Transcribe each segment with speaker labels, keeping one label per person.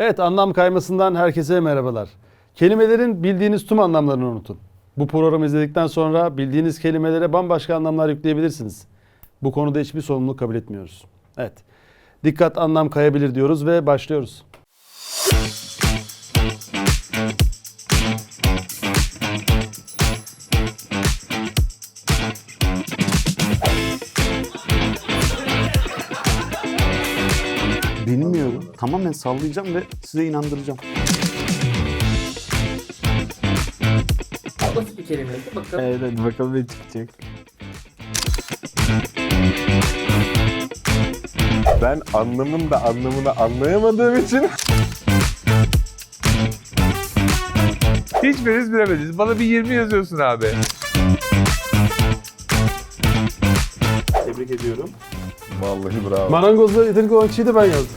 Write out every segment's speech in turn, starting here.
Speaker 1: Evet, anlam kaymasından herkese merhabalar. Kelimelerin bildiğiniz tüm anlamlarını unutun. Bu programı izledikten sonra bildiğiniz kelimelere bambaşka anlamlar yükleyebilirsiniz. Bu konuda hiçbir sorumluluk kabul etmiyoruz. Evet, dikkat anlam kayabilir diyoruz ve başlıyoruz.
Speaker 2: Bilmiyorum. Tamamen sallayacağım ve size inandıracağım.
Speaker 3: Basit bir kelime. Bakalım.
Speaker 2: Evet, hadi bakalım ne çıkacak.
Speaker 4: Ben anlamın da anlamını anlayamadığım için
Speaker 5: Hiçbiriniz bilemediniz. Bana bir 20 yazıyorsun abi.
Speaker 2: Tebrik ediyorum.
Speaker 4: vallahi bravo.
Speaker 1: Marangozla yetenekli olan kişiyi de ben yazdım.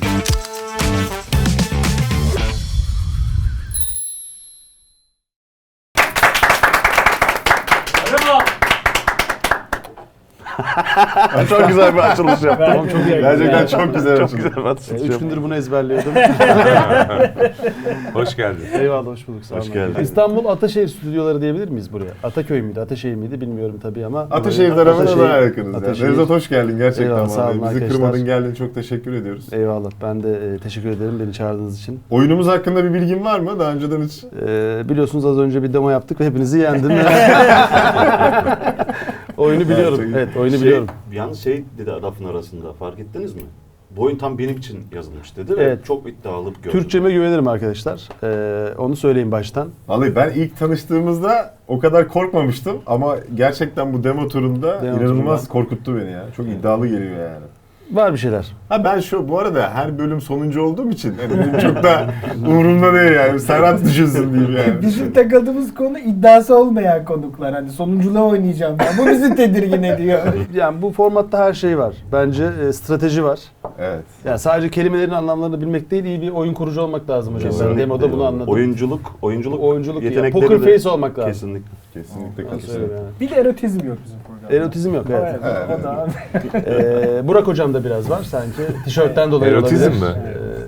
Speaker 4: Çok güzel bir açılış yaptın.
Speaker 1: Tamam, çok iyi.
Speaker 4: Gerçekten çok güzel açılış.
Speaker 1: 3 gündür bunu ezberliyordum.
Speaker 5: Hoş geldin.
Speaker 1: Eyvallah, hoş bulduk. Sağ olun.
Speaker 4: Hoş geldin.
Speaker 1: İstanbul Ataşehir stüdyoları diyebilir miyiz buraya? Ataköy müydü, Ataşehir miydi bilmiyorum tabii ama.
Speaker 4: Ataşehir tarafına
Speaker 1: Ataşehir-
Speaker 4: daha yakınız.
Speaker 1: Ataşehir.
Speaker 4: Nevzat hoş geldin gerçekten.
Speaker 1: Eyvallah, sağ olun
Speaker 4: Bizi
Speaker 1: arkadaşlar.
Speaker 4: kırmadın geldin, çok teşekkür ediyoruz.
Speaker 1: Eyvallah, ben de teşekkür ederim beni çağırdığınız için.
Speaker 4: Oyunumuz hakkında bir bilgin var mı? Daha önceden hiç...
Speaker 1: Biliyorsunuz az önce bir demo yaptık ve hepinizi yendim. Oyunu biliyorum. Evet, oyunu biliyorum.
Speaker 2: Yalnız şey dedi lafın arasında, fark ettiniz mi? Bu oyun tam benim için yazılmış dedi
Speaker 1: Evet.
Speaker 2: ve çok iddialı gördüm.
Speaker 1: Türkçeme güvenirim arkadaşlar. Onu söyleyeyim baştan.
Speaker 4: Vallahi ben ilk tanıştığımızda o kadar korkmamıştım ama gerçekten bu demo turunda
Speaker 1: Demo
Speaker 4: inanılmaz
Speaker 1: turunda.
Speaker 4: korkuttu beni ya. Çok iddialı geliyor yani.
Speaker 1: Var bir şeyler.
Speaker 4: Ha ben bu arada her bölüm sonuncu olduğum için hani benim çok da umurumda değil yani. Serhat düşünsün diyeyim yani.
Speaker 3: Bizim takıldığımız konu iddiası olmayan konuklar. Hani sonunculuğa oynayacağım ben. Bu bizi tedirgin ediyor.
Speaker 1: Yani bu formatta her şey var. Bence strateji var.
Speaker 4: Evet.
Speaker 1: Yani sadece kelimelerin anlamlarını bilmek değil, iyi bir oyun kurucu olmak lazım hocam. Ben
Speaker 4: Kesinlikle.
Speaker 1: demoda bunu anladım.
Speaker 2: Oyunculuk
Speaker 1: Oyunculuk ya,
Speaker 2: yetenekleri
Speaker 1: poker
Speaker 2: de
Speaker 1: face olmak lazım.
Speaker 2: Kesinlikle.
Speaker 4: Kesinlikle
Speaker 1: Ben
Speaker 4: katılıyorum.
Speaker 1: söyleyeyim yani.
Speaker 3: Bir de erotizm yok bizim programda.
Speaker 1: Erotizm yok, evet.
Speaker 3: Evet, o da
Speaker 1: Burak hocam da biraz var sanki. Tişörtten dolayı
Speaker 5: Erotizm
Speaker 1: olabilir.
Speaker 5: mi?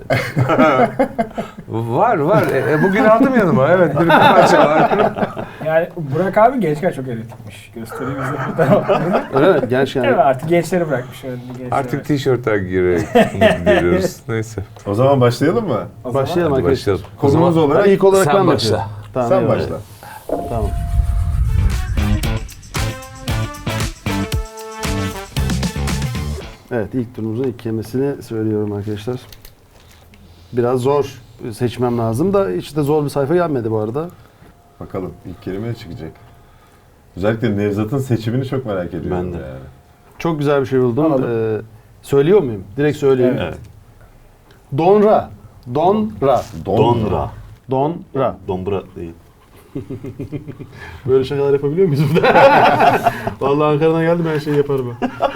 Speaker 5: Var. Bugün aldım yanıma. Evet, bir parça var.
Speaker 3: Yani Burak abi gençken çok erotikmiş. Göstereyim bize fotoğraflarını.
Speaker 1: Öyle mi? Genç yani.
Speaker 3: Evet, artık gençleri bırakmış.
Speaker 5: Artık tişörtler giriyoruz. Neyse.
Speaker 4: O zaman başlayalım mı?
Speaker 1: Başlayalım
Speaker 5: Hadi
Speaker 1: arkadaşlar.
Speaker 5: başlayalım.
Speaker 4: Konumuz olarak
Speaker 1: Ben ilk olarak
Speaker 5: sen
Speaker 1: ben
Speaker 5: başla.
Speaker 1: başlayayım. Tamam,
Speaker 4: sen
Speaker 1: eyvallah.
Speaker 4: başla.
Speaker 1: Tamam. Evet, ilk turumuzun ilk kelimesini söylüyorum arkadaşlar. Biraz zor seçmem lazım da hiç de zor bir sayfa gelmedi bu arada.
Speaker 4: Bakalım ilk kelime ne çıkacak? Özellikle Nevzat'ın seçimini çok merak ediyorum.
Speaker 2: Ben de.
Speaker 4: Yani.
Speaker 1: Çok güzel bir şey buldum.
Speaker 3: Alalım.
Speaker 1: Söylüyor muyum? Direkt söyleyeyim.
Speaker 2: Evet.
Speaker 1: Donra. Donra.
Speaker 2: Donra.
Speaker 1: Donra.
Speaker 2: Dombra değil.
Speaker 1: Böyle şakalar yapabiliyor muyuz burada? Vallahi Ankara'dan geldim, her şeyi yaparım.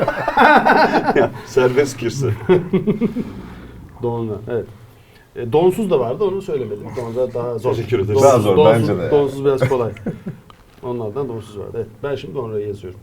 Speaker 2: Serbest girse.
Speaker 1: Donra. Evet. Donsuz da vardı, onu söylemedim. Donra daha zor.
Speaker 2: Teşekkür ederiz.
Speaker 4: Daha zor bence de yani.
Speaker 1: Donsuz biraz kolay. Onlardan donsuz vardı. Evet. Ben şimdi Donra'yı yazıyorum.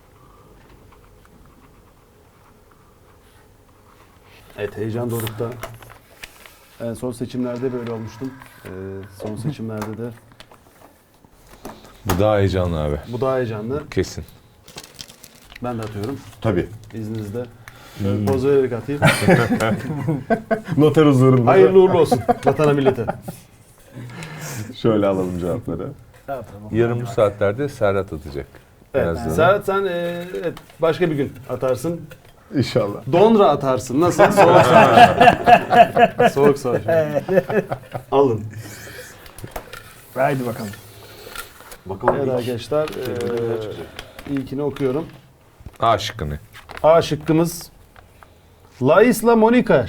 Speaker 1: Evet, heyecan dorukta. En son seçimlerde böyle olmuştum. Son seçimlerde de
Speaker 5: Bu daha heyecanlı abi.
Speaker 1: bu daha heyecanlı.
Speaker 5: Kesin.
Speaker 1: Ben de atıyorum
Speaker 4: Tabii.
Speaker 1: izninizle. Şöyle poz vererek atayım.
Speaker 4: Noter huzurunda.
Speaker 1: Hayırlı uğurlu olsun vatana millete.
Speaker 4: Şöyle alalım cevapları.
Speaker 5: Yarın bu saatlerde Serhat atacak.
Speaker 1: Evet.
Speaker 5: Birazdan.
Speaker 1: Serhat sen evet, başka bir gün atarsın.
Speaker 4: İnşallah.
Speaker 1: Donra atarsın. Nasıl? Soğuk savaş. Soğuk savaş.
Speaker 2: Alın.
Speaker 3: Haydi bakalım.
Speaker 2: Bakalım
Speaker 1: Evet
Speaker 2: ilk
Speaker 1: arkadaşlar.
Speaker 2: kelimede ne çıkacak?
Speaker 1: İlkini okuyorum.
Speaker 5: A şıkkını.
Speaker 1: A şıkkımız La Isla Monica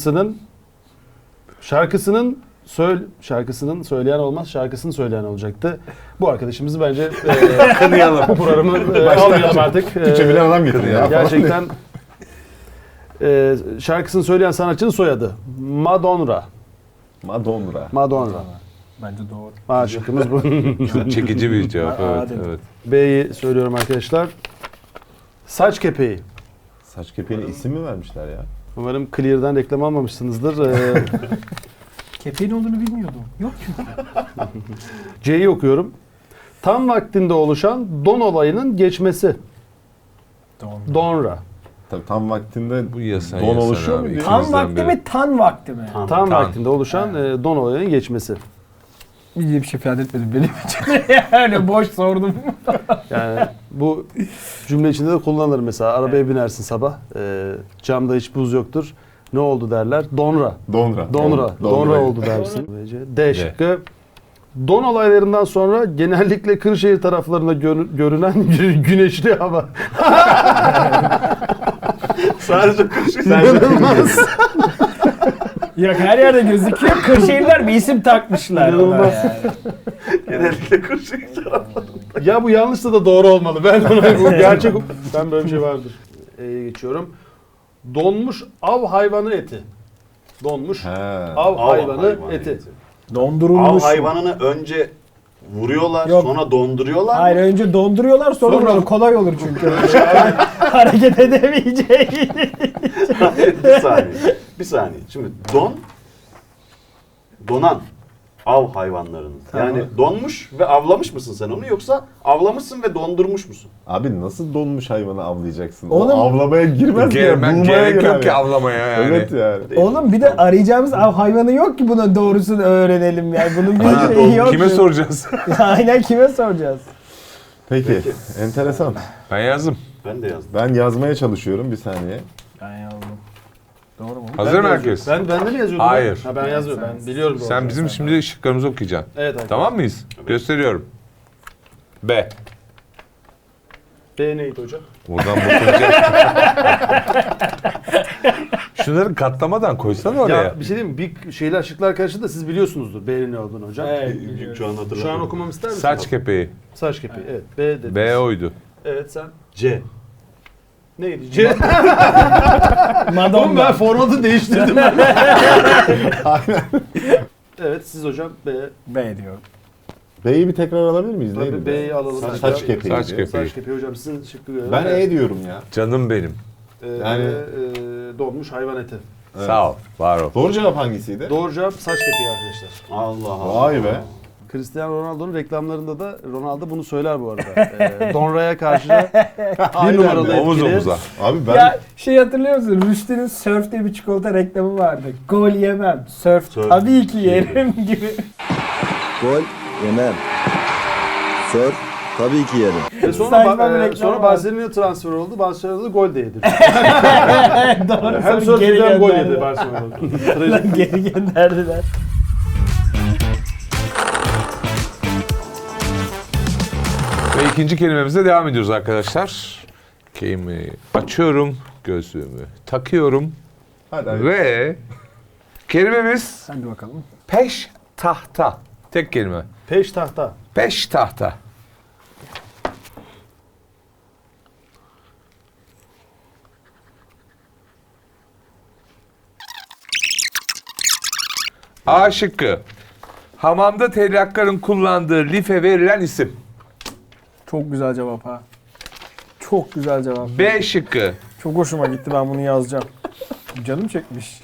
Speaker 1: şarkısının söyleyen olmaz, şarkısını söyleyen olacaktı. Bu arkadaşımızı bence
Speaker 4: Kınayalım.
Speaker 1: bu programı almayalım artık.
Speaker 4: Türkçe bilen adam getir ya.
Speaker 1: Gerçekten şarkısını söyleyen sanatçının soyadı Madonna.
Speaker 4: Madonna.
Speaker 1: Madonna.
Speaker 3: Bence doğru.
Speaker 1: A şıkkımız bu.
Speaker 5: Çok çekici bir cevap.
Speaker 3: Aa,
Speaker 5: Evet,
Speaker 3: dedim.
Speaker 5: evet.
Speaker 1: B'yi söylüyorum arkadaşlar. Saç kepeği.
Speaker 4: Saç kepeğine isim mi vermişler ya?
Speaker 1: Umarım Clear'dan reklam almamışsınızdır.
Speaker 3: Kepeğin olduğunu bilmiyordum. Yok çünkü.
Speaker 1: C'yi okuyorum. Tam vaktinde oluşan don olayının geçmesi. Donra.
Speaker 4: Tabii tam vaktinde
Speaker 5: Bu yasan
Speaker 4: don oluşuyor mu diyor?
Speaker 3: Tam
Speaker 5: İkimizden
Speaker 3: vakti
Speaker 5: biri.
Speaker 3: mi, tan vakti mi?
Speaker 1: Tam vaktinde oluşan don olayının geçmesi.
Speaker 3: Bir şey ifade etmedim benim için. Yani boş sordum.
Speaker 1: Yani bu cümle içinde de kullanılır mesela. Arabaya binersin sabah. Camda hiç buz yoktur. Ne oldu derler? Donra.
Speaker 4: Donra.
Speaker 1: Donra oldu dersin. D şıkkı. Don olaylarından sonra genellikle Kırşehir taraflarında görünen güneşli hava.
Speaker 2: Sadece kışın.
Speaker 1: İnanılmaz.
Speaker 3: Yok her yerde gözüküyor. Kırşehirler bir isim takmışlar.
Speaker 1: İnanılmaz.
Speaker 3: Yani.
Speaker 2: Genellikle kışın tarafı.
Speaker 1: Ya bu yanlışsa da doğru olmalı. Ben bu gerçek. Ben böyle bir şey vardır. Geçiyorum. Donmuş av hayvanı eti. Donmuş
Speaker 4: He.
Speaker 1: av hayvanı eti.
Speaker 2: Av
Speaker 3: Dondurulmuş.
Speaker 2: hayvanını önce vuruyorlar,
Speaker 3: Yok.
Speaker 2: sonra donduruyorlar.
Speaker 3: Hayır önce donduruyorlar sonra
Speaker 1: Sonra-
Speaker 3: vuruyorlar. Kolay olur çünkü. Hareket edemeyecek.
Speaker 2: Bir saniye. Bir saniye. Şimdi donan av hayvanlarını. Yani donmuş ve avlamış mısın sen onu yoksa avlamışsın ve dondurmuş musun?
Speaker 4: Abi nasıl donmuş hayvanı avlayacaksın?
Speaker 3: Oğlum-
Speaker 4: O avlamaya girmez ya.
Speaker 5: Gerek
Speaker 4: Bulmaya
Speaker 5: yok
Speaker 4: girer
Speaker 5: ki
Speaker 4: ya.
Speaker 5: avlamaya yani.
Speaker 4: Evet yani.
Speaker 3: Oğlum bir de arayacağımız av hayvanı yok ki buna doğrusunu öğrenelim yani. Bunun bir
Speaker 2: Aynen,
Speaker 3: şeyi yok.
Speaker 5: Kime soracağız?
Speaker 3: Aynen kime soracağız?
Speaker 4: Peki. Enteresan.
Speaker 5: Ben yazdım.
Speaker 2: Ben de yazdım.
Speaker 4: Ben yazmaya çalışıyorum bir saniye.
Speaker 3: Ben yazdım. Doğru mu?
Speaker 5: Hazır mı herkes?
Speaker 1: Ben de mi yazıyordum?
Speaker 5: Hayır.
Speaker 1: Ha, ben yazıyorum. Ben biliyorum. doğru.
Speaker 5: Sen bizim şimdi şıklarımızı okuyacaksın.
Speaker 1: Evet arkadaşlar.
Speaker 5: Tamam mıyız? Gösteriyorum. B.
Speaker 1: B neydi hocam?
Speaker 5: Buradan bakınca. Şunları katlamadan koysan oraya.
Speaker 1: Ya bir şey diyeyim mi? Bir şeyler şıklar karıştı da siz biliyorsunuzdur B'nin ne olduğunu hocam.
Speaker 2: Şu an hatırlamıyorum.
Speaker 1: Şu an okumamı ister misin?
Speaker 5: Saç kepeği.
Speaker 1: Saç kepeği. Evet. B dedi.
Speaker 5: B oydu.
Speaker 1: Evet sen.
Speaker 2: C.
Speaker 1: Neydi? C. Oğlum ben
Speaker 3: Madonna.
Speaker 1: formatı değiştirdim. Evet siz hocam B.
Speaker 3: B diyor.
Speaker 4: B'yi bir tekrar alabilir miyiz?
Speaker 1: Tabii
Speaker 4: Neydi?
Speaker 1: B'yi alalım.
Speaker 4: Saç kepeği.
Speaker 5: Saç
Speaker 4: diyor.
Speaker 5: kepeği.
Speaker 1: Saç kepeği hocam sizin şıkkı görelim.
Speaker 4: Ben E diyorum ya.
Speaker 5: Canım benim.
Speaker 4: Yani-
Speaker 1: donmuş hayvan eti.
Speaker 4: Evet.
Speaker 5: Sağ ol. Var ol.
Speaker 4: Doğru cevap hangisiydi?
Speaker 1: Doğru cevap saç kepeği arkadaşlar.
Speaker 2: Allah Allah.
Speaker 4: Vay be.
Speaker 1: Cristiano Ronaldo'nun reklamlarında da Ronaldo bunu söyler bu arada. Donra'ya karşı bir numaralı
Speaker 5: Omuz
Speaker 1: etkili.
Speaker 5: omuza.
Speaker 4: Abi ben
Speaker 3: Ya şey hatırlıyor musun? Rüştü'nün Surf diye bir çikolata reklamı vardı. Gol yemem. Surf
Speaker 2: Surf
Speaker 3: tabii ki yerim gibi.
Speaker 6: Gol yemem. Sör tabii ki yerim.
Speaker 1: Ve sonra,
Speaker 3: Saçma bir reklam
Speaker 1: sonra
Speaker 3: var.
Speaker 1: Barcelona'ya transfer oldu. Barcelona'da gol de yedi.
Speaker 3: Doğru.
Speaker 1: Hem
Speaker 3: sonra
Speaker 1: sörf
Speaker 3: geri
Speaker 1: hem gol yedi
Speaker 3: gönderdiler.
Speaker 1: Barcelona'da. Trajik.
Speaker 3: Geri gönderdiler.
Speaker 5: Ve ikinci kelimemize devam ediyoruz arkadaşlar. Kelimeyi açıyorum. Gözlüğümü takıyorum.
Speaker 4: hadi.
Speaker 5: Ve kelimemiz
Speaker 3: Hadi bakalım.
Speaker 5: peş tahta. Tek kelime.
Speaker 1: Peş tahta.
Speaker 5: Peş tahta. A şıkkı. Hamamda tellakların kullandığı life verilen isim.
Speaker 3: Çok güzel cevap ha. Çok güzel cevap.
Speaker 5: B şıkkı.
Speaker 3: Çok hoşuma gitti, ben bunu yazacağım. Canım çekmiş.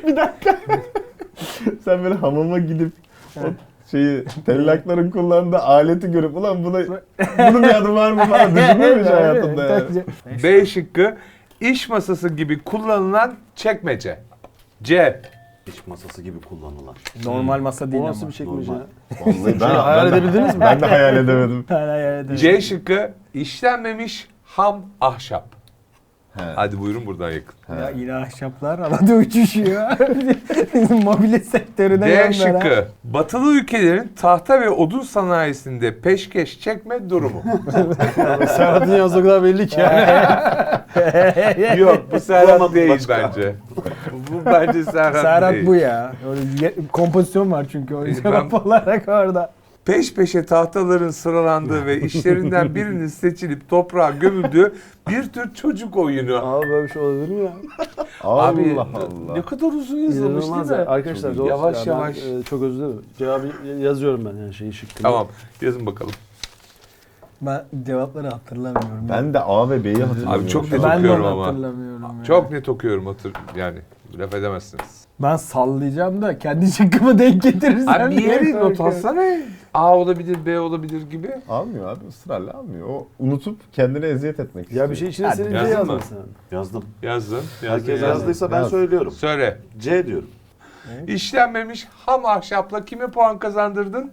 Speaker 4: Sen böyle hamama gidip o şeyi tellakların kullandığı aleti görüp ulan bunun bir adı var mı falan düşünüyor musun hayatında yani?
Speaker 5: B şıkkı. İş masası gibi kullanılan çekmece. C.
Speaker 2: İş masası gibi kullanılan.
Speaker 3: Normal masa değil
Speaker 1: O
Speaker 3: ama.
Speaker 1: nasıl bir çekmece ya?
Speaker 4: Vallahi
Speaker 1: Şöyle hayal edebildiniz mi?
Speaker 4: Ben de hayal edemedim.
Speaker 5: C şıkkı. İşlenmemiş ham ahşap.
Speaker 4: He.
Speaker 5: Hadi buyurun buradan yakın.
Speaker 3: Ya yine ahşaplar havada uçuşuyor. Bizim mobilya sektörüne
Speaker 5: D
Speaker 3: gönder ha.
Speaker 5: şıkkı. Batılı ülkelerin tahta ve odun sanayisinde peşkeş çekme durumu.
Speaker 1: Serhat'ın yazdığı kadar belli ki yani.
Speaker 5: Yok bu Serhat
Speaker 2: Bulamadım
Speaker 5: değil
Speaker 2: başka.
Speaker 5: bence. Bu bence Serhat,
Speaker 3: Serhat
Speaker 5: değil.
Speaker 3: bu ya. Öyle kompozisyon var çünkü o cevap olarak orada.
Speaker 5: Peş peşe tahtaların sıralandığı ve işlerinden birinin seçilip toprağa gömüldüğü bir tür çocuk oyunu.
Speaker 1: Abi böyle bir şey olabilir mi ya?
Speaker 5: Abi
Speaker 4: Allah Allah.
Speaker 5: ne kadar uzun yazılmış
Speaker 1: İnanılmaz
Speaker 5: değil
Speaker 1: ya.
Speaker 5: mi?
Speaker 1: Arkadaşlar zor.
Speaker 5: Yavaş
Speaker 1: Ya ben,
Speaker 5: yavaş.
Speaker 1: çok özür dilerim. Cevabı yazıyorum ben yani şeyi şıkkını.
Speaker 5: Tamam yazın bakalım.
Speaker 3: Ben cevapları hatırlamıyorum.
Speaker 4: Ben de A ve B'yi hatırlamıyorum.
Speaker 5: Abi çok
Speaker 4: şu
Speaker 5: net
Speaker 4: an.
Speaker 3: ben de
Speaker 5: okuyorum
Speaker 3: onu
Speaker 5: ama.
Speaker 3: hatırlamıyorum. ya.
Speaker 5: Çok net okuyorum yani laf edemezsiniz.
Speaker 3: Ben sallayacağım da kendi şıkkımı denk getirirsem.
Speaker 5: Abi bir yere
Speaker 3: diye
Speaker 5: not
Speaker 3: korkuyorum.
Speaker 5: alsana. A olabilir, B olabilir gibi.
Speaker 4: Almıyor abi, ısrarla almıyor. O unutup kendine eziyet etmek istiyor.
Speaker 1: Ya bir şey içine
Speaker 3: Hadi,
Speaker 1: senin C
Speaker 5: yazdın
Speaker 1: yazdın
Speaker 5: mı?
Speaker 1: sen.
Speaker 2: Yazdım.
Speaker 5: Yazdın.
Speaker 2: Herkes yazdıysa ben
Speaker 4: Yaz.
Speaker 2: söylüyorum.
Speaker 5: Söyle.
Speaker 2: C diyorum.
Speaker 5: İşlenmemiş ham ahşapla kime puan kazandırdın?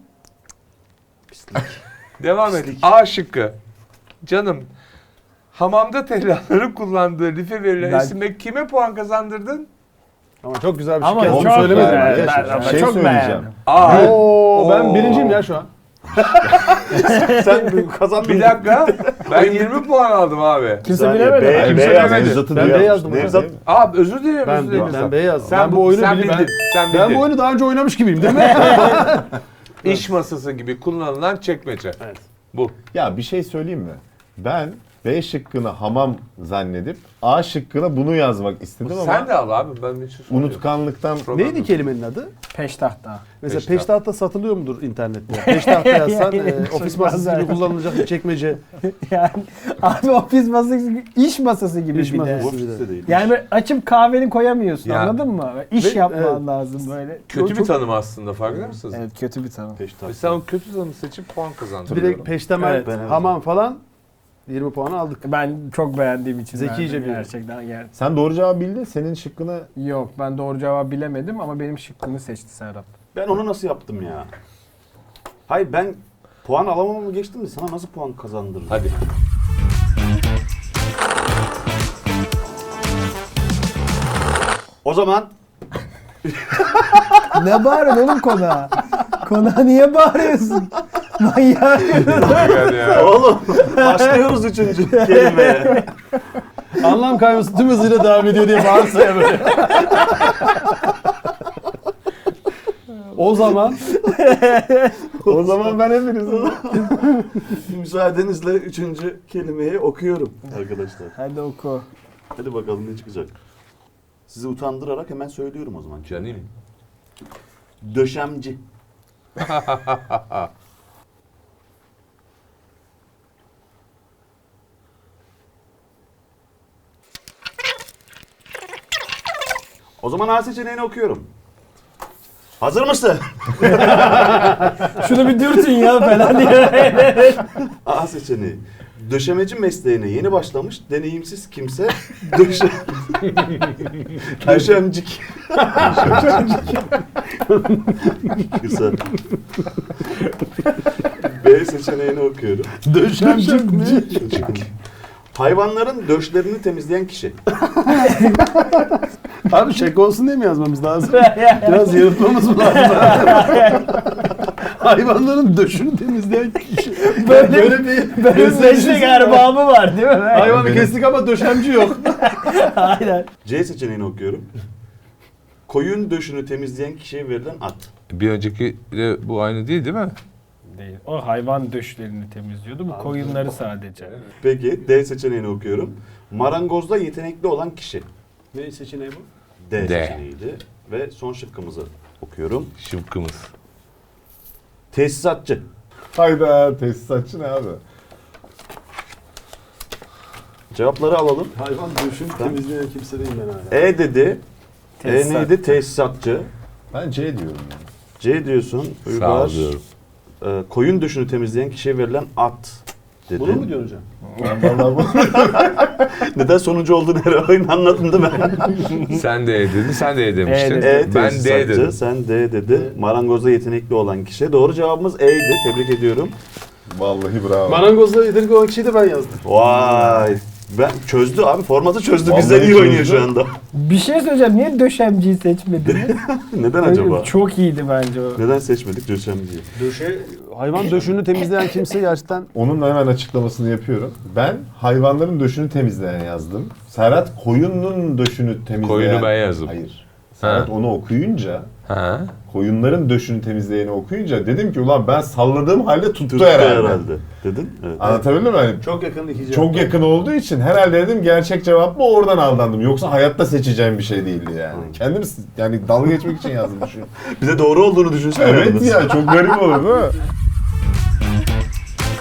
Speaker 5: Devam et. A şıkkı. Canım. Hamamda tellahların kullandığı life verilen
Speaker 3: Ben-
Speaker 5: isimle kime puan kazandırdın?
Speaker 1: Ama çok güzel bir şey
Speaker 3: Ama
Speaker 1: yazdın.
Speaker 3: çok
Speaker 1: Söylemedim.
Speaker 3: beğendim.
Speaker 1: Ben.
Speaker 3: Ben
Speaker 4: Şey
Speaker 3: çok
Speaker 4: söyleyeceğim.
Speaker 3: beğendim.
Speaker 5: A.
Speaker 1: Oo, ben
Speaker 5: Oo.
Speaker 1: birinciyim ya şu an.
Speaker 2: Sen kazandın.
Speaker 5: Bir dakika. Ben 20 puan aldım abi.
Speaker 3: Kimse bilemedi.
Speaker 2: B,
Speaker 5: Kimse
Speaker 2: B yazdı.
Speaker 5: bilemedi.
Speaker 2: Nevzat'ı
Speaker 1: Ben
Speaker 2: diyor.
Speaker 1: B yazdım.
Speaker 2: Nevzat.
Speaker 5: Abi özür dilerim.
Speaker 1: Ben,
Speaker 5: özür dilerim.
Speaker 1: ben B yazdım.
Speaker 5: Sen
Speaker 1: Ben bu oyunu
Speaker 5: sen
Speaker 1: bili-
Speaker 5: bildin. Sen
Speaker 1: ben
Speaker 5: bildin.
Speaker 1: bu oyunu daha önce oynamış gibiyim değil mi?
Speaker 5: İş masası gibi kullanılan çekmece.
Speaker 1: Evet.
Speaker 5: Bu.
Speaker 4: Ya bir şey söyleyeyim mi? Ben B şıkkını hamam zannedip A şıkkına bunu yazmak istedim
Speaker 5: Sen
Speaker 4: ama
Speaker 5: de al abi. Ben bir şey soruyorum.
Speaker 4: unutkanlıktan
Speaker 5: Problem
Speaker 1: Neydi
Speaker 5: yok.
Speaker 1: kelimenin adı?
Speaker 3: Peştahta.
Speaker 1: Mesela
Speaker 5: Peştahta.
Speaker 1: peştahta satılıyor mudur internette? Peştahta yazsan ofis
Speaker 3: Çok
Speaker 1: masası gibi
Speaker 3: benzer.
Speaker 1: kullanılacak bir çekmece.
Speaker 3: Yani abi ofis masası gibi, iş masası gibi
Speaker 1: İş
Speaker 3: bir
Speaker 1: masası.
Speaker 3: de.
Speaker 2: Bu ofiste değil.
Speaker 3: Yani böyle açıp kahveni koyamıyorsun,
Speaker 5: Ya.
Speaker 3: anladın mı? İş
Speaker 1: Ve-
Speaker 3: yapman
Speaker 1: evet.
Speaker 3: lazım böyle.
Speaker 5: Kötü
Speaker 3: Çok-
Speaker 5: bir tanım aslında, farkında mısınız?
Speaker 3: Evet, kötü bir tanım.
Speaker 2: Peştahta.
Speaker 5: Ve sen o kötü tanımı seçip puan kazandın.
Speaker 1: Direkt peştemel,
Speaker 3: Evet.
Speaker 2: Ben evet.
Speaker 1: hamam falan 20 puan aldık.
Speaker 3: Ben çok beğendiğim için
Speaker 1: Zekice
Speaker 3: verdim
Speaker 1: bir-
Speaker 3: gerçekten. Yani.
Speaker 4: sen doğru cevabı bildin. Senin şıkkına
Speaker 3: Yok, ben doğru cevabı bilemedim ama benim şıkkımı seçti Serhat.
Speaker 2: Ben onu nasıl yaptım ya? Hayır ben puan alamamamı geçtim de sana nasıl puan kazandırırım?
Speaker 5: Hadi.
Speaker 2: O zaman
Speaker 3: Ne bağırıyorsun oğlum konağa? Konağa niye bağırıyorsun? Manyak.
Speaker 5: Yani ya.
Speaker 2: oğlum başlıyoruz üçüncü kelimeye.
Speaker 1: Anlam kayması tüm hızıyla devam ediyor diye bağırsa ya böyle. O zaman
Speaker 4: o zaman ben hepinizin
Speaker 2: Müsaadenizle üçüncü kelimeyi okuyorum arkadaşlar.
Speaker 3: Hadi oku.
Speaker 2: Hadi bakalım ne çıkacak. Sizi utandırarak hemen söylüyorum o zaman.
Speaker 5: Canım.
Speaker 2: Döşemci. O zaman A seçeneğini okuyorum. Hazır mısın?
Speaker 3: Şunu bir dürtün ya falan diye.
Speaker 2: A seçeneği. Döşemeci mesleğine yeni başlamış deneyimsiz kimse döşe... Döşemcik. Kısa. B seçeneğini okuyorum.
Speaker 1: döşemcik mi?
Speaker 2: Hayvanların döşlerini temizleyen kişi.
Speaker 1: Abi şaka olsun diye mi yazmamız lazım? Biraz yaratmamız mı lazım? Hayvanların döşünü temizleyen kişi. Böyle bir
Speaker 3: Benim meslek erbabı var değil mi?
Speaker 1: hayvanı kestik ama döşemci yok.
Speaker 3: Aynen.
Speaker 2: C seçeneğini okuyorum. Koyun döşünü temizleyen kişiye verilen ad.
Speaker 5: Bir önceki de bu aynı değil mi?
Speaker 3: Değil. O hayvan döşlerini temizliyordu. Bu koyunları sadece.
Speaker 2: Peki D seçeneğini okuyorum. Marangozda yetenekli olan kişi.
Speaker 1: Ne seçeneği bu?
Speaker 2: D,
Speaker 5: D.
Speaker 2: seçeneğiydi. Ve son şıkkımızı okuyorum.
Speaker 5: Şıkkımız.
Speaker 2: Tesisatçı.
Speaker 4: hayda tesisatçı ne abi?
Speaker 2: Cevapları alalım.
Speaker 1: Hayvan döşünü temizleyen kimse değil ben hala.
Speaker 2: E dedi.
Speaker 3: Tesisat.
Speaker 2: E neydi? Tesisatçı.
Speaker 4: Ben C diyorum yani.
Speaker 2: C diyorsun.
Speaker 5: Sağ
Speaker 2: Uygar.
Speaker 5: ol diyorum.
Speaker 2: Koyun döşünü temizleyen kişiye verilen at dedi.
Speaker 1: Bunu mu diyorsun hocam?
Speaker 4: Ben vallahi bu
Speaker 2: Neden sonuncu olduğunu her oyun anladın değil mi?
Speaker 5: Sen de E dedin, sen de E demiştin.
Speaker 3: E
Speaker 2: E
Speaker 5: Ben D
Speaker 2: tesisatçı,
Speaker 5: dedim.
Speaker 2: sen D dedin. Marangozda yetenekli olan kişi. Doğru cevabımız E'ydi. Tebrik ediyorum.
Speaker 4: vallahi bravo.
Speaker 1: Marangozla yetenekli olan kişiyi de ben yazdım.
Speaker 2: Vay. Ben çözdü abi. Formatı çözdü.
Speaker 4: Vallahi
Speaker 2: Bizden iyi oynuyor
Speaker 4: çözdü.
Speaker 2: şu anda.
Speaker 3: Bir şey söyleyeceğim. Niye döşemciyi seçmediniz?
Speaker 2: Neden acaba?
Speaker 3: Çok iyiydi bence o.
Speaker 2: Neden seçmedik döşemciyi?
Speaker 1: Hayvan döşünü temizleyen kimse gerçekten
Speaker 4: Onun da hemen açıklamasını yapıyorum. Ben hayvanların döşünü temizleyen yazdım. Serhat koyunun döşünü temizleyen...
Speaker 5: Koyunu ben yazdım.
Speaker 4: Hayır. Serhat
Speaker 5: Ha.
Speaker 4: onu okuyunca,
Speaker 5: Ha?
Speaker 4: koyunların döşünü temizleyeni okuyunca dedim ki ulan ben salladığım halde tuttu,
Speaker 2: Tuttu
Speaker 4: herhalde.
Speaker 2: Dedin. Evet.
Speaker 4: Anlatabildim mi? Yani
Speaker 1: çok yakın iki cevap.
Speaker 4: çok yakın olduğu için herhalde dedim gerçek cevap mı oradan aldandım. Yoksa hayatta seçeceğim bir şey değildi yani. Kendim yani dalga geçmek için yazdım şu.
Speaker 2: Bir de doğru olduğunu düşünsene.
Speaker 4: Evet
Speaker 2: yalnız.
Speaker 4: ya çok garip olur değil mi?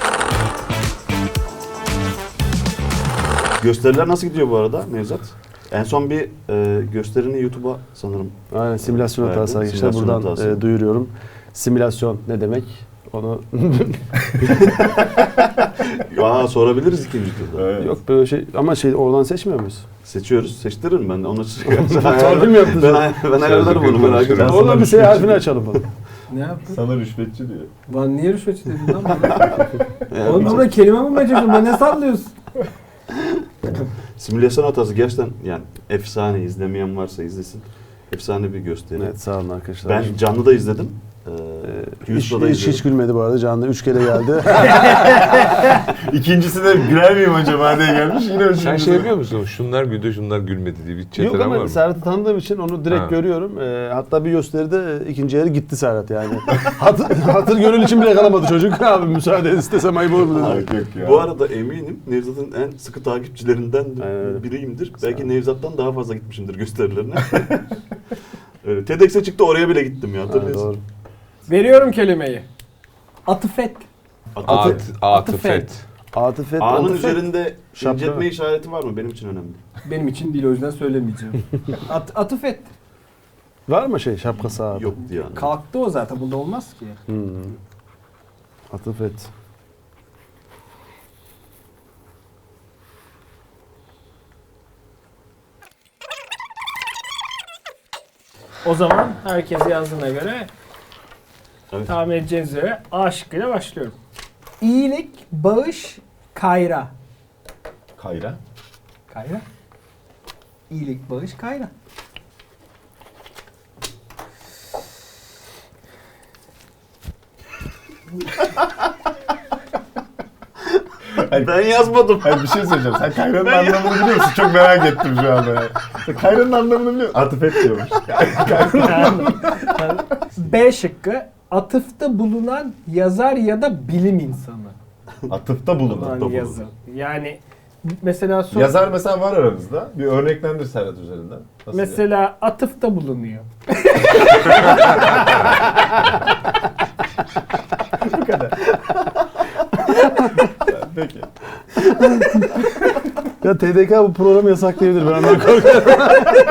Speaker 2: Gösteriler nasıl gidiyor bu arada Nevzat? En son bir gösterini YouTube'a sanırım.
Speaker 1: Aynen, simülasyon
Speaker 2: Verdim.
Speaker 1: hatası arkadaşlar.
Speaker 2: Simülasyon
Speaker 1: Buradan
Speaker 2: hatası.
Speaker 1: duyuruyorum. Simülasyon ne demek? Onu
Speaker 2: Aa, sorabiliriz ikinci turda.
Speaker 4: Evet.
Speaker 1: yok böyle şey ama oradan seçmiyor muyuz?
Speaker 2: Seçiyoruz. Seçtiririm ben de. Onu
Speaker 1: Torpil mi yaptın?
Speaker 2: ben ayarlarım onu, merak etme.
Speaker 4: Ben
Speaker 1: Oradan
Speaker 4: sana
Speaker 1: bir S harfini açalım falan.
Speaker 3: Ne yaptın?
Speaker 4: Sana rüşvetçi diyor.
Speaker 3: Lan niye rüşvetçi dedin lan bana?
Speaker 2: Yani
Speaker 3: Oğlum burada kelime mi becerdin? Ben ne sallıyorsun?
Speaker 2: simülasyon hatası gerçekten yani efsane. İzlemeyen varsa izlesin. Efsane bir gösteri.
Speaker 1: Evet, sağ olun arkadaşlar.
Speaker 2: Ben canlı da izledim. YouTube'da da
Speaker 1: hiç
Speaker 2: izledim.
Speaker 1: gülmedi bu arada. Canlı 3 kere geldi.
Speaker 4: İkincisi de güler miyim acaba diye gelmiş. Yine
Speaker 5: Sen
Speaker 4: üçüncüsü
Speaker 5: şey
Speaker 4: de-
Speaker 5: yapıyor musun? Şunlar güldü, şunlar gülmedi diye bir
Speaker 1: Yok
Speaker 5: çetelen var
Speaker 1: ama
Speaker 5: mı?
Speaker 1: Serhat'ı tanıdığım için onu direkt
Speaker 5: Ha.
Speaker 1: görüyorum. Hatta bir gösteride ikinci yarı gitti Serhat yani. Hatır gönül için bile kalamadı çocuk. Abi müsaade istesem ayıp olur mu dedi.
Speaker 4: Ay, yok ya.
Speaker 2: Bu arada eminim Nevzat'ın en sıkı takipçilerinden
Speaker 1: Aynen öyle.
Speaker 2: biriyimdir. Belki Nevzat'tan daha fazla gitmişimdir gösterilerine. Öyle. TEDx'e çıktı, oraya bile gittim ya,
Speaker 1: Ha,
Speaker 2: hatırlıyorsun.
Speaker 1: doğru.
Speaker 3: Veriyorum kelimeyi. Atıfet.
Speaker 5: Atıfet.
Speaker 1: Atıfet.
Speaker 2: A'nın
Speaker 1: atıfet.
Speaker 2: üzerinde
Speaker 1: Şapka.
Speaker 2: inceltme işareti var mı? Benim için önemli.
Speaker 3: Benim için değil, o yüzden söylemeyeceğim. Atıfet.
Speaker 1: Var mı şey şapkası abi?
Speaker 2: Yoktu yani.
Speaker 3: Kalktı o zaten, bunda olmaz ki.
Speaker 1: Atıfet.
Speaker 3: O zaman herkes yazdığına göre
Speaker 2: Evet.
Speaker 3: tahmin edeceğiniz üzere A şıkkıyla başlıyorum. İyilik, bağış, kayra.
Speaker 4: Kayra.
Speaker 3: Kayra. İyilik, bağış, kayra.
Speaker 2: Ben yazmadım.
Speaker 4: Hayır, bir şey söyleyeceğim. Sen Kayra'nın anlamını biliyor musun? Çok merak ettim şu anda. Ya. Sen Kayra'nın anlamını biliyor musun? Atıfet diyormuş.
Speaker 3: B şıkkı, atıfta bulunan yazar ya da bilim insanı.
Speaker 4: Atıfta bulunan.
Speaker 3: Yani
Speaker 2: bulunan.
Speaker 3: yazı. Yani mesela
Speaker 4: Yazar mesela var aramızda. Bir örneklendir Serhat üzerinden. Nasıl ya?
Speaker 3: mesela atıfta bulunuyor.
Speaker 4: Peki.
Speaker 1: Ya TDK bu programı yasaklayabilir. Ben ondan korkuyorum.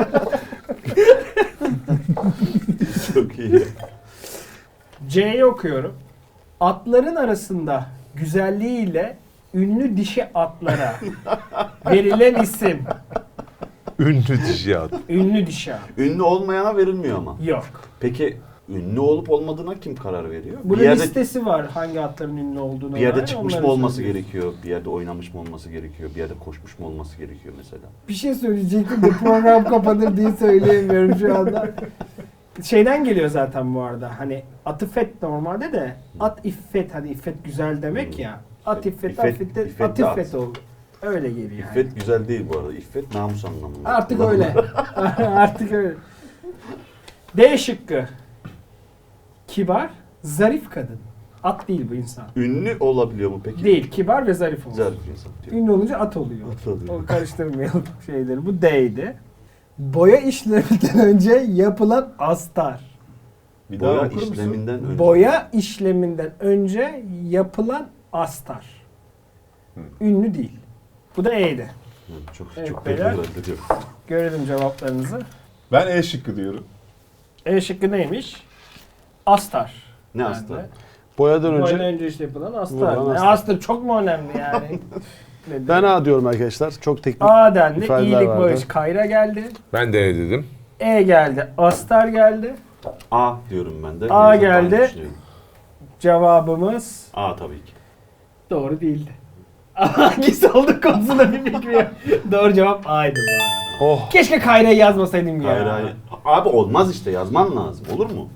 Speaker 2: Çok iyi.
Speaker 3: C'yi okuyorum. Atların arasında güzelliğiyle ünlü dişi atlara verilen isim.
Speaker 5: Ünlü dişi at.
Speaker 3: Ünlü dişi at.
Speaker 2: Ünlü olmayana verilmiyor ama.
Speaker 3: Yok.
Speaker 2: Peki ünlü olup olmadığına kim karar veriyor?
Speaker 3: Bunun
Speaker 2: bir yerde,
Speaker 3: listesi var hangi atların ünlü olduğunu.
Speaker 2: bir yerde
Speaker 3: dair,
Speaker 2: çıkmış
Speaker 3: onları
Speaker 2: mı olması
Speaker 3: söylüyorum.
Speaker 2: gerekiyor? Bir yerde oynamış mı olması gerekiyor? Bir yerde koşmuş mu olması gerekiyor mesela?
Speaker 3: Bir şey söyleyecektim de program kapanır diye söyleyemiyorum şu anda. Şeyden geliyor zaten bu arada. Hani atıfet normalde de at iffet, hani iffet güzel demek ya. At iffet,
Speaker 2: İffet-
Speaker 3: affet,
Speaker 2: iffet de
Speaker 3: atifet
Speaker 2: at.
Speaker 3: oldu. Öyle geliyor yani.
Speaker 2: İffet güzel değil bu arada. İffet namus anlamında.
Speaker 3: Artık öyle. Artık öyle. D şıkkı. Kibar, zarif kadın. At değil bu insan.
Speaker 2: Ünlü olabiliyor mu peki?
Speaker 3: Değil, kibar ve zarif olur.
Speaker 2: Güzel bir insan.
Speaker 3: Ünlü olunca at oluyor.
Speaker 2: At oluyor.
Speaker 3: O karıştırmayalım şeyleri. Bu D'ydi. Boya işleminden önce yapılan astar.
Speaker 4: Bir daha
Speaker 2: Boya
Speaker 4: okur musun?
Speaker 2: işleminden önce.
Speaker 3: Boya işleminden önce yapılan astar. Ünlü değil. Bu da E'ydi.
Speaker 2: Çok
Speaker 3: Evet,
Speaker 2: çok
Speaker 3: beyler.
Speaker 2: kötü diyor.
Speaker 3: Görelim cevaplarınızı.
Speaker 4: Ben E şıkkı diyorum.
Speaker 3: E şıkkı neymiş? Astar.
Speaker 2: Ne
Speaker 3: Yani
Speaker 2: astar?
Speaker 3: de.
Speaker 1: Boyadan
Speaker 3: Boyadan
Speaker 1: önce
Speaker 3: önce işte yapılan astar.
Speaker 1: Vurulan
Speaker 3: Ne,
Speaker 1: astar.
Speaker 3: astar çok mu önemli yani? Ne
Speaker 1: ben
Speaker 3: diyeyim?
Speaker 1: A diyorum arkadaşlar. Çok teknik
Speaker 3: A dendi.
Speaker 1: ifadeler
Speaker 3: İyilik
Speaker 1: vardı.
Speaker 3: bağış kayra geldi.
Speaker 5: Ben de ne dedim?
Speaker 3: E geldi. Astar geldi.
Speaker 2: A diyorum ben de.
Speaker 3: A
Speaker 2: Nevzat aynı
Speaker 3: geldi.
Speaker 2: düşünüyorum.
Speaker 3: Cevabımız
Speaker 2: A tabii ki.
Speaker 3: doğru değildi. Hangisi oldu konusunda bir fikrim yok. Doğru cevap A'ydı bu arada.
Speaker 1: Oh.
Speaker 3: Keşke Kayra'yı yazmasaydım ya.
Speaker 2: Hayır hayır. Abi olmaz işte, yazman lazım. Olur mu?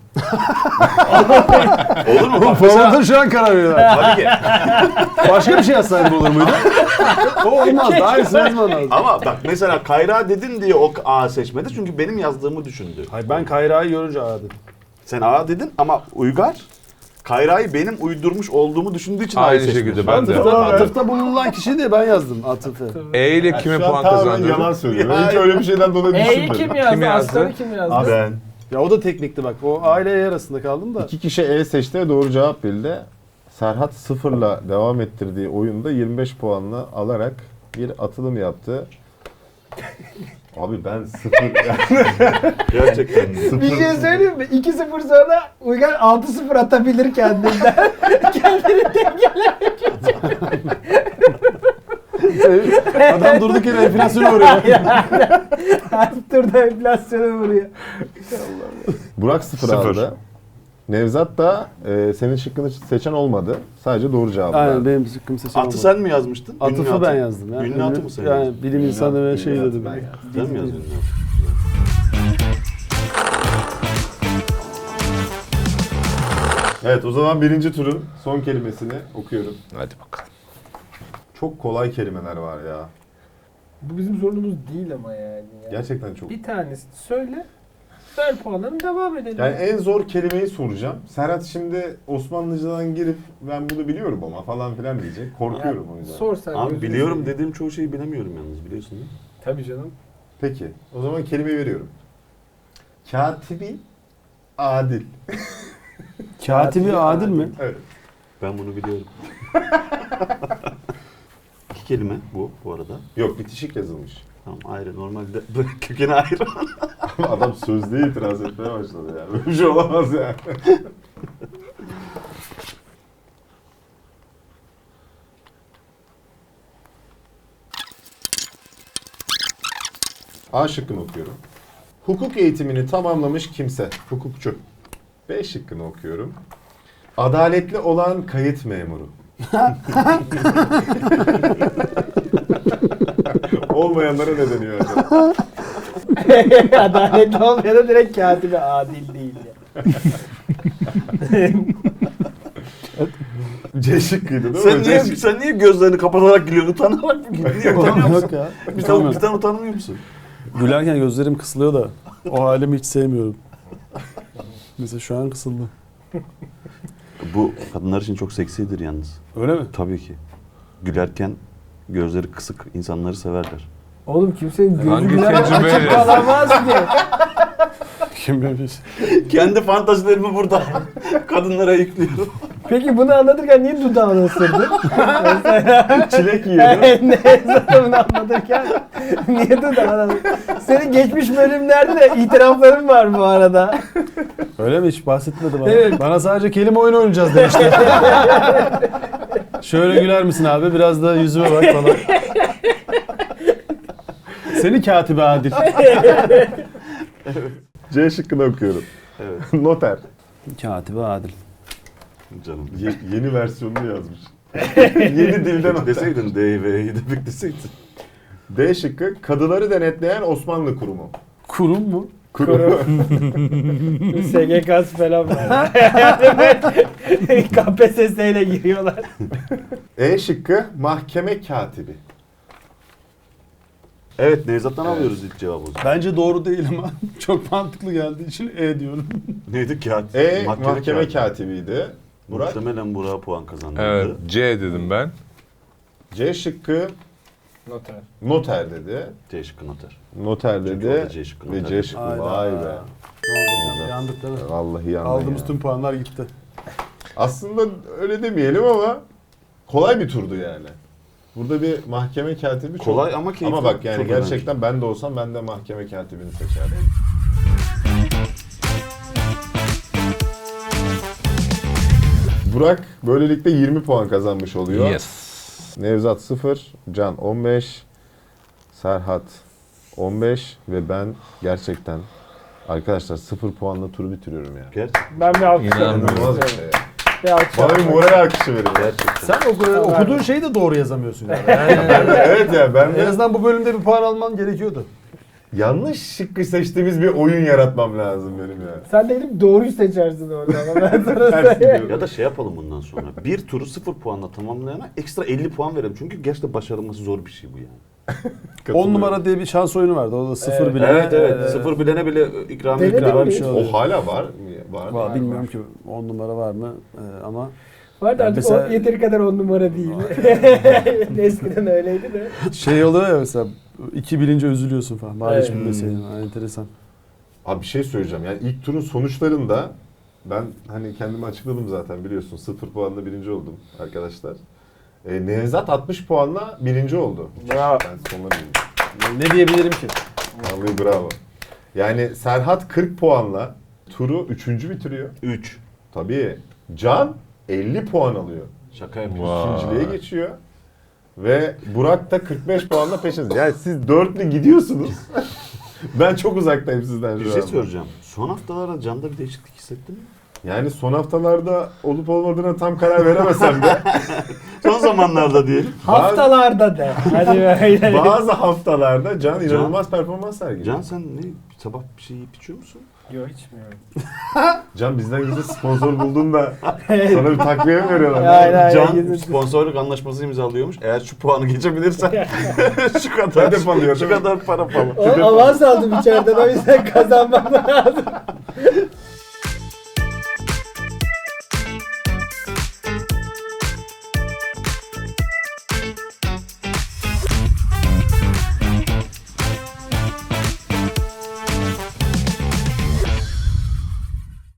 Speaker 2: Olur mu? Bak mesela,
Speaker 1: Formatör şu an karar veriyorlar.
Speaker 2: tabii ki.
Speaker 1: Başka bir şey yazsaydım olur muydu? O olmaz. Daha iyisi yazman lazım.
Speaker 2: Ama bak mesela Kayra dedin diye o A seçmedi çünkü benim yazdığımı düşündü.
Speaker 1: Hayır, ben Kayra'yı görünce A dedim.
Speaker 2: Sen A dedin ama Uygar Kayra'yı benim uydurmuş olduğumu düşündüğü için A'yı
Speaker 5: Aynı
Speaker 2: seçmiş.
Speaker 5: şekilde ben de.
Speaker 1: Atıfta bulunan kişi diye ben yazdım Atıf'ı.
Speaker 5: E ile kime
Speaker 4: Şu an
Speaker 5: puan
Speaker 4: tamamen
Speaker 5: kazandırdın?
Speaker 4: yalan söylüyor. Ben hiç öyle bir şeyden dolayı
Speaker 3: E'yi
Speaker 4: düşünmedim.
Speaker 3: kim yazdı?
Speaker 5: Kim yazdı?
Speaker 3: Astar'ı kim yazdı?
Speaker 4: Abi,
Speaker 2: Ben.
Speaker 1: Ya o da teknikti bak. O A ile E arasında kaldım da.
Speaker 4: İki kişi E seçti ve doğru cevap bildi. Serhat sıfırla devam ettirdiği oyunda 25 puanla alarak bir atılım yaptı. Abi ben sıfır.
Speaker 2: Gerçekten.
Speaker 3: Bir şey söyleyeyim mi? 2-0 sonra Uygar 6-0 atabilir kendinden. Kendini
Speaker 1: Adam durduk yere enflasyona uğruyor.
Speaker 3: her turda enflasyona vuruyor.
Speaker 4: Burak sıfır
Speaker 2: Sıfır.
Speaker 4: aldı. Nevzat da senin şıkkını seçen olmadı. Sadece doğru cevabı
Speaker 1: Aynen
Speaker 4: verdi.
Speaker 1: benim zıkkım seçim
Speaker 2: Atı sen mi yazmıştın? Ünlü
Speaker 1: Atıfı
Speaker 2: atı.
Speaker 1: ben yazdım. Ya.
Speaker 2: Ünlü atı mı sen
Speaker 1: Yani
Speaker 2: yazdın?
Speaker 1: bilim insanı ve şey
Speaker 4: Ünlü atı
Speaker 1: dedim.
Speaker 4: ben yazdım.
Speaker 2: Sen mi yazdın ünlü atı?
Speaker 4: Evet, o zaman birinci turun son kelimesini okuyorum.
Speaker 5: Hadi bakalım.
Speaker 4: Çok kolay kelimeler var ya.
Speaker 3: Bu bizim sorunumuz değil ama yani.
Speaker 4: Gerçekten çok.
Speaker 3: Bir tanesini söyle. Ver puanlarını devam edelim.
Speaker 4: Yani en zor kelimeyi soracağım. Serhat şimdi Osmanlıcadan girip ben bunu biliyorum ama falan filan diyecek. Korkuyorum o yüzden.
Speaker 3: Sor sen.
Speaker 2: Abi
Speaker 3: gözünü
Speaker 2: biliyorum
Speaker 3: seveyim.
Speaker 2: dediğim çoğu şeyi bilemiyorum yalnız biliyorsun değil mi?
Speaker 3: Tabii canım.
Speaker 4: Peki, o zaman kelimeyi veriyorum. Katibi adil.
Speaker 1: Katibi adil mi?
Speaker 4: Evet.
Speaker 2: Ben bunu biliyorum. 2 kelime bu arada.
Speaker 4: Yok, bitişik yazılmış.
Speaker 2: Tamam ayrı normalde böyle kökeni ayrı.
Speaker 4: Adam sözlüğe itiraz etmeye başladı ya. Böyle bir şey olamaz yani. A şıkkını okuyorum. Hukuk eğitimini tamamlamış kimse. Hukukçu. B şıkkını okuyorum. Adaletli olan kayıt memuru. Olmayanlara ne deniyor acaba?
Speaker 3: Adaletli olmayana direkt katibi adil değil ya.
Speaker 4: C şıkkıydı değil mi?
Speaker 2: Sen niye gözlerini kapatarak gülüyorsun? Utanarak mı gülüyorsun? Niye utanıyor musun?
Speaker 1: Yok ya.
Speaker 2: Bir tane utanmıyor musun?
Speaker 1: Gülerken gözlerim kısılıyor da o halimi hiç sevmiyorum. Mesela şu an kısıldı.
Speaker 2: Bu kadınlar için çok seksidir yalnız.
Speaker 1: Öyle mi?
Speaker 2: Tabii ki. Gülerken gözleri kısık insanları severler.
Speaker 3: Oğlum kimsenin gözü
Speaker 5: Hangi
Speaker 3: gülemez
Speaker 5: tecrübeyle?
Speaker 3: açık kalamaz ki.
Speaker 1: Kim bilir?
Speaker 2: Kendi fantazilerimi burada kadınlara yüklüyorum.
Speaker 3: Peki bunu anlatırken niye dudağını ısırdın? Mesela
Speaker 4: Çilek yiyordu.
Speaker 3: ne zaten bunu anlatırken niye dudağını Senin geçmiş bölümlerde de itirafların var bu arada.
Speaker 1: Öyle mi? Hiç bahsetmedi bana.
Speaker 3: Evet.
Speaker 1: Bana sadece kelime oyunu oynayacağız demişti. Şöyle güler misin abi? Biraz da yüzüme bak falan. Seni katibi adil.
Speaker 4: C şıkkını okuyorum.
Speaker 2: Evet
Speaker 4: Noter.
Speaker 1: Katibi adil.
Speaker 2: canım.
Speaker 4: Yeni versiyonunu yazmış. Yeni dilden noter.
Speaker 2: Deseydin DV'yi de bekleseydin.
Speaker 4: D şıkkı kadıları denetleyen Osmanlı kurumu.
Speaker 1: Kurum mu?
Speaker 3: SGK'sı falan var. KPSS ile giriyorlar.
Speaker 4: E şıkkı mahkeme katibi.
Speaker 2: Evet Nevzat'tan alıyoruz ilk cevabı.
Speaker 1: Bence doğru değil ama çok mantıklı geldiği için diyorum.
Speaker 2: Neydi kağıt?
Speaker 4: Mahkeme katibiydi. Burak.
Speaker 2: Muhtemelen Burak'a puan kazandırdı.
Speaker 5: Evet, C dedim ben.
Speaker 4: C şıkkı
Speaker 3: Noter.
Speaker 4: noter dedi.
Speaker 2: C şıkkı noter.
Speaker 4: Noter
Speaker 2: Çünkü
Speaker 4: dedi.
Speaker 2: orada C şıkkı
Speaker 4: Ve
Speaker 2: noter.
Speaker 4: C şıkkı.
Speaker 1: Hayda.
Speaker 4: Vay be.
Speaker 1: Ne oldu canım? Yandık değil mi?
Speaker 4: Vallahi yandı.
Speaker 1: Aldığımız
Speaker 4: ya.
Speaker 1: tüm puanlar gitti.
Speaker 4: Aslında öyle demeyelim ama kolay bir turdu yani. Burada bir mahkeme katibi çok...
Speaker 2: Kolay ama keyifli.
Speaker 4: Ama bak yani
Speaker 2: Çok
Speaker 4: gerçekten ben de olsam ben de mahkeme katibini seçerdim. Burak böylelikle 20 puan kazanmış oluyor.
Speaker 5: Yes.
Speaker 4: Nevzat 0, Can 15, Serhat 15 ve ben gerçekten arkadaşlar 0 puanla turu bitiriyorum ya.
Speaker 2: Gerçekten.
Speaker 3: Ben bir alkış
Speaker 5: İnanmıyorum.
Speaker 4: İnanılmaz bir şey ya.
Speaker 3: Bir alkış
Speaker 4: Bana bir
Speaker 3: yapmak
Speaker 4: moral alkışı verin.
Speaker 2: Gerçekten.
Speaker 1: Sen okuduğun şeyi de doğru yazamıyorsun yani.
Speaker 4: Evet ya ben
Speaker 1: En
Speaker 4: de
Speaker 1: azından bu bölümde bir puan alman gerekiyordu.
Speaker 4: yanlış şıkkı seçtiğimiz bir oyun yaratmam lazım benim ya.
Speaker 3: Sen de gidip doğruyu seçersin orada ama ben sana
Speaker 4: Ters
Speaker 3: söyleyeyim.
Speaker 4: gidiyorum.
Speaker 2: Ya da şey yapalım bundan sonra. Bir turu 0 puanla tamamlayana ekstra 50 puan verelim. Çünkü gerçekten başarılması zor bir şey bu yani.
Speaker 1: 10 numara diye bir şans oyunu vardı. O da 0 bile.
Speaker 2: Evet evet. 0 bilene bile ikramiye
Speaker 3: Denedin
Speaker 2: ikram
Speaker 3: mi?
Speaker 2: bir şey oluyor.
Speaker 4: O hala var mı? Var.
Speaker 1: Var, bilmiyorum ki 10 numara var mı ama
Speaker 3: Var da artık
Speaker 1: Mesela-
Speaker 3: o yeteri kadar 10 numara değil. Eskiden öyleydi de.
Speaker 1: şey oluyor ya mesela 2 bilince üzülüyorsun falan. Bari hiç
Speaker 3: Evet.
Speaker 1: bilmeseydin. Enteresan.
Speaker 4: Abi bir şey söyleyeceğim. Yani ilk turun sonuçlarında ben hani kendimi açıkladım zaten biliyorsun. 0 puanla birinci oldum arkadaşlar. Nevzat 60 puanla birinci oldu.
Speaker 3: Bravo.
Speaker 4: Ben sonuna bildim.
Speaker 1: Ne diyebilirim ki?
Speaker 4: Vallahi bravo. Yani Serhat 40 puanla turu 3. bitiriyor.
Speaker 2: 3.
Speaker 4: Tabii Can 50 puan alıyor.
Speaker 2: Şaka yapıyorsun.
Speaker 5: Vay.
Speaker 4: İkinciliğe geçiyor. Ve Burak da 45 puanla peşiniz. Yani siz dörtlü gidiyorsunuz. Ben çok uzaktayım sizden
Speaker 2: Bir
Speaker 4: şu
Speaker 2: şey
Speaker 4: an.
Speaker 2: soracağım. Son haftalarda Can'da bir değişiklik hissettin mi?
Speaker 4: Yani son haftalarda olup olmadığına tam karar veremesem de
Speaker 2: Son zamanlarda diyelim.
Speaker 3: Haftalarda de. Hadi böyle.
Speaker 4: bazı haftalarda Can inanılmaz performans sergiliyor.
Speaker 2: Can sen ne sabah bir şey yiyip içiyor musun?
Speaker 3: Yok içmiyorum.
Speaker 4: Can bizden gizli sponsor buldun da sana bir takviye mi veriyorlar?
Speaker 3: Aynen.
Speaker 2: Can
Speaker 3: gizli-
Speaker 2: sponsorluk anlaşması imzalıyormuş. Eğer şu puanı geçebilirsen şu kadar
Speaker 4: Hedef alıyor,
Speaker 2: şu
Speaker 4: değil mi?
Speaker 2: kadar para falan.
Speaker 3: O avans aldım içeriden o yüzden kazanmam lazım.